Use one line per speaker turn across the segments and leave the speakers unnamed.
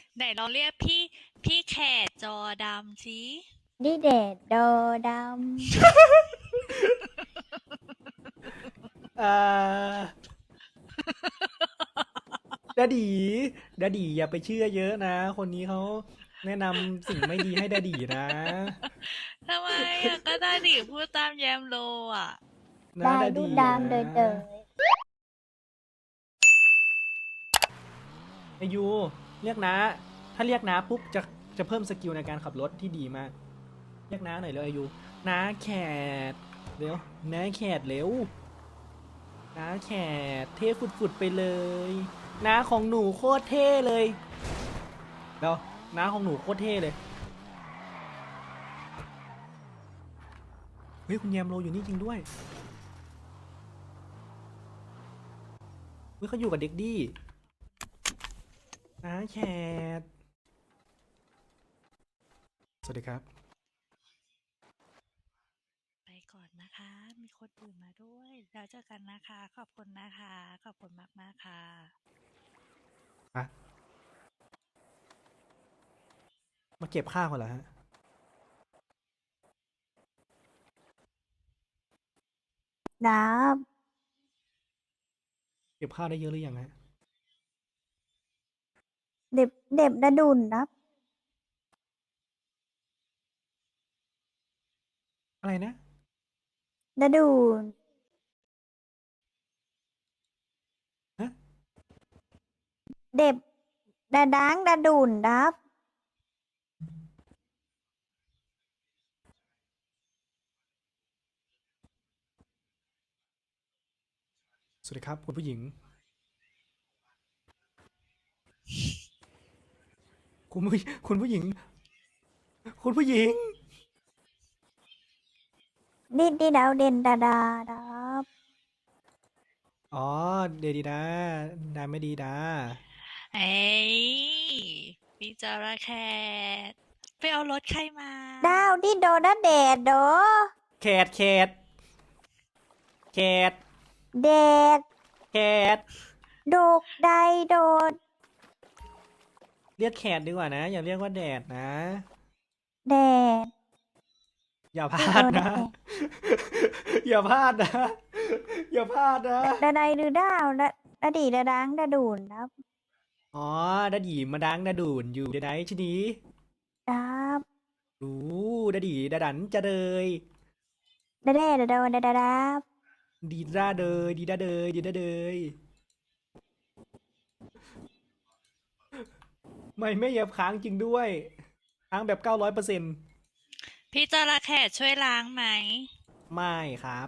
ไหนลองเรียกพี่แขกจอดำสิ
ดิเดดโดด
อ่าดาดีดาดีอย่าไปเชื่อเยอะนะ คนนี้เขาแนะนำสิ่งไม่ดีให้ดาดีนะ
ทำไมอ่ะก็ได้ดิพูดตามแยมโลอ่ะ
ำได้
นะดา
ดูดา
ดีนะ
มเดยเดย
อายุเรียกนะถ้าเรียกนะปุ๊บจะเพิ่มสกิลในการขับรถที่ดีมากเรียกน้าหน่อยเร็วอายุน้าแขกเร็วน้าแขกเร็วน้าแขกเท่ฝุดๆไปเลยน้าของหนูโคตรเท่เลยเดี๋ยวน้าของหนูโคตรเท่เลยเฮ้ยคุณแยมโลอยู่นี่จริงด้วยเฮ้ยเขาอยู่กับเด็กดี้น้าแขกสวัสดีครับ
ไปก่อนนะคะมีคนอื่นมาด้วยแล้วเจอกันนะคะขอบคุณนะคะขอบคุณมากๆค่ะ
อะมาเก็บข้าวกันเหรอฮะ
น้
เก็บข้าวได้เยอะหรือยังฮะ
ำเด็บดาดุนนับ
อะไรนะ
ดาดุน
ฮะ
เด็บดาดังดาดุนนับ
สวัสดีครับคุณผู้หญิงคุณผู้คุณผู้หญิงคุณผู้หญิง
ดิดาวเด่นดาดาดับ
อ๋อเดดีดาดาไม่ดีดา
เอ้ยพี่จระแคทไปเอารถใครมา
ดาวดิโดดาเดดโด
แคทแคทแคท
เดด
แคท
โดกไดโดด
เรียกแคทดีกว่านะอย่าเรียกว่าแดดนะ
แดด
อย่าพ
ดิโด
ลาดนะ
ดาแดด
อย่าพลาดนะอย่าพลาดนะ
ดาไดหรือดาวดาดีดาดังดาดุนนับ
อ๋อดาดีมาดังดาดูนอยู่เดี๋ยวไหนชนี
ดับ
ดูดาดีดาดันจะเลย
ดาเดดาโดดาดาดับ
ดีด้าเดยดีด้าเดยดีด้าเดยไม่เหยียบค้างจริงด้วยค้างแบบ900%
พี่จระแคทช่วยล้างไหม
ไม่ครับ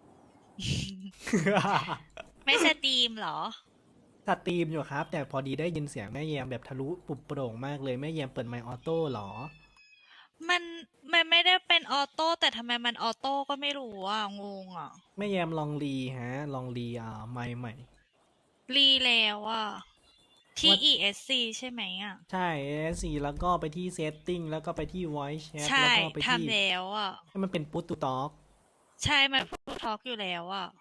ไม่สตรีมเหรอ
สตรีมอยู่ครับแต่พอดีได้ยินเสียงแม่แยมแบบทะลุปุบโปร่งมากเลยแม่แยมเปิดไมค์ออโต้เหรอ
มันมันไม่ได้เป็นออโต้แต่ทำไมมันออโต้ก็ไม่รู้อ่ะงงอ่ะ
แม่แยมลองรีฮะลองรีไมค์ใหม่
รีแล้วอ่ะที่
ว่า
ESC ใช่ไหมอ่ะ
ใช่ ASC แล้วก็ไปที่ Setting แล้วก็ไปที่ Voice Chat
ใช่
แล้วก็ไปที่
ทำแล้วอ่ะ
ให้มันเป็น Push to Talk
ใช่มันพูดทอล์กอยู่แล้วอ่ะ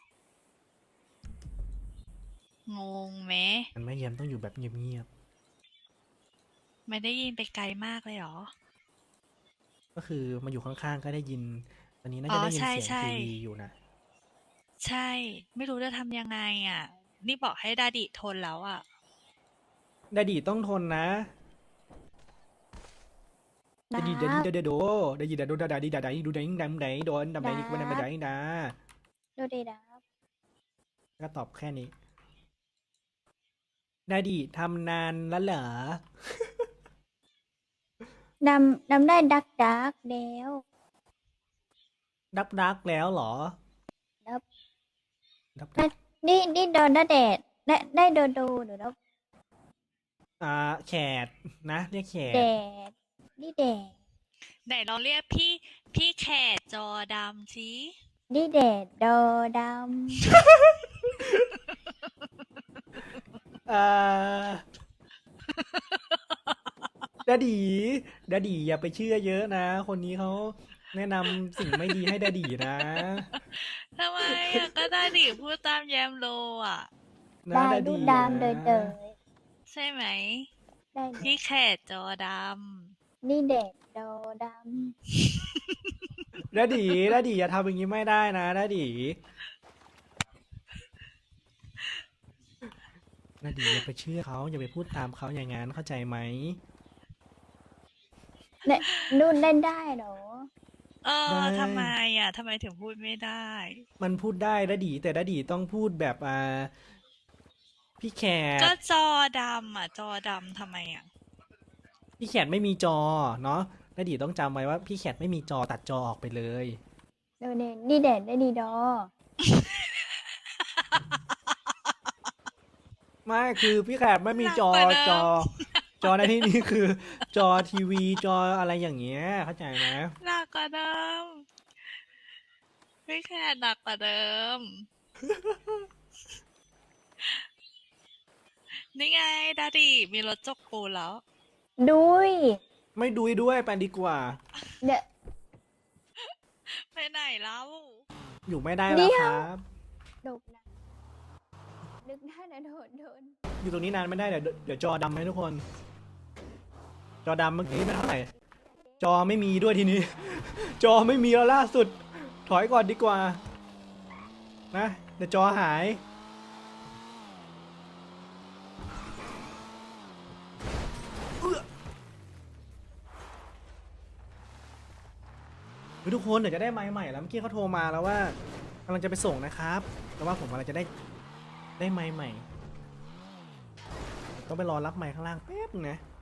งงไหม
มันแม่แยมต้องอยู่แบบเงียบ
ไม่ได้ยินไปไกลมากเลยเหรอ
ๆก็คือมาอยู่ข้างๆก็ได้ยินตอนนี้น่า
อ๋อ
จะได้ยิน
ใช่ใช่
เสียงทีวีอยู่นะ
ใช่ไม่รู้จะทำยังไงอ่ะนี่บอกให้ดาดิทนแล้วอ่ะ
ดาดีต้องทนนะ
ดั
ดาดีดาดี
บ
ดาดาโดดาดีดาโดดาดาดีดาดาดีดูดาดิงดำไดโดนดำได
ดั
นี่ก็ไม่ได้ไม่ได้
บ
ดา
ดูดีดับ
ก็ตอบแค่นี้ดาดีทำนานแล้วเหรอ
ดำได้ดักแล้ว
ดักแล้วเหรอ
ดับได้
ดัก
ดิโดนดาเดดได้โดโดหรือดับ
แขดนะเรียกแข
แด
ด
ดดิแดด
ไหนลองเรียกพี่แขกจอดำสิ
ดิแดดโดด
อ่าดาดีดาดีอย่าไปเชื่อเยอะนะคนนี้เขาแนะนำสิ่งไม่ดีให้ดาดีนะ
ทำไมอ่ะก็ได้ดิพูดตามแยมโลอ่ะ
ำได้
นะดา
ดู
ดีนะ
ดามเดยเดย
ใช่ไหม
ได้
พี่แขกจอด
นี่เด็กโดด
ดาดีอย่าทำอย่างนี้ไม่ได้นะดาดีอย่าไปเชื่อเขาอย่าไปพูดตามเขาอย่างนั้นเข้าใจไหม
ำเนี่ยนุ่นเล่นได้เหรอ
ำ
ได้
ทำไมทำไมถึงพูดไม่ได้
มันพูดได้ดาดีแต่ดาดีต้องพูดแบบพี่แขก
ก็จอดำจอดำทำไม
พี่แขกไม่มีจอเนาะดาดีต้องจำไว้ว่าพี่แขกไม่มีจอตัดจอออกไปเลย
เดี๋ยวเนี่ยนี่เด็ดได้ดีดอ
ไม่คือพี่แขกไม่มีจอ
หนักกว่าเดิม
จอในที่นี้คือ จอทีวีจออะไรอย่างเงี้ยเข้าใจไหม
หนักกว่าเดิมพี่แขกหนักกว่าเดิม นี่ไงดาดีมีรถจกปูนแล้ว
ดุย
ไม่ดุยด้วยไปดีกว่า
เดี๋ยว
ไปไหนแล้ว
อยู่ไม่ได้แล้วครับ
ดกนะนึกได้นะโดน
อยู่ตรงนี้นานไม่ได้เดี๋ยวจอดำไหมทุกคน จอดำเมื่อกี้ไม่เท่าไหร่จอไม่มีด้วยทีนี้ จอไม่มีแล้วล่าสุด ถอยก่อนดีกว่านะเดี๋ยวจอหายเฮ้ยทุกคนเดี๋ยวจะได้ไมค์ใหม่แล้วเมื่อกี้เขาโทรมาแล้วว่ากำลังจะไปส่งนะครับแต่ว่าผมกำลังจะได้ไมค์ใหม่ต้องไปรอรับไมค์ข้างล่างแป๊บนึงนะ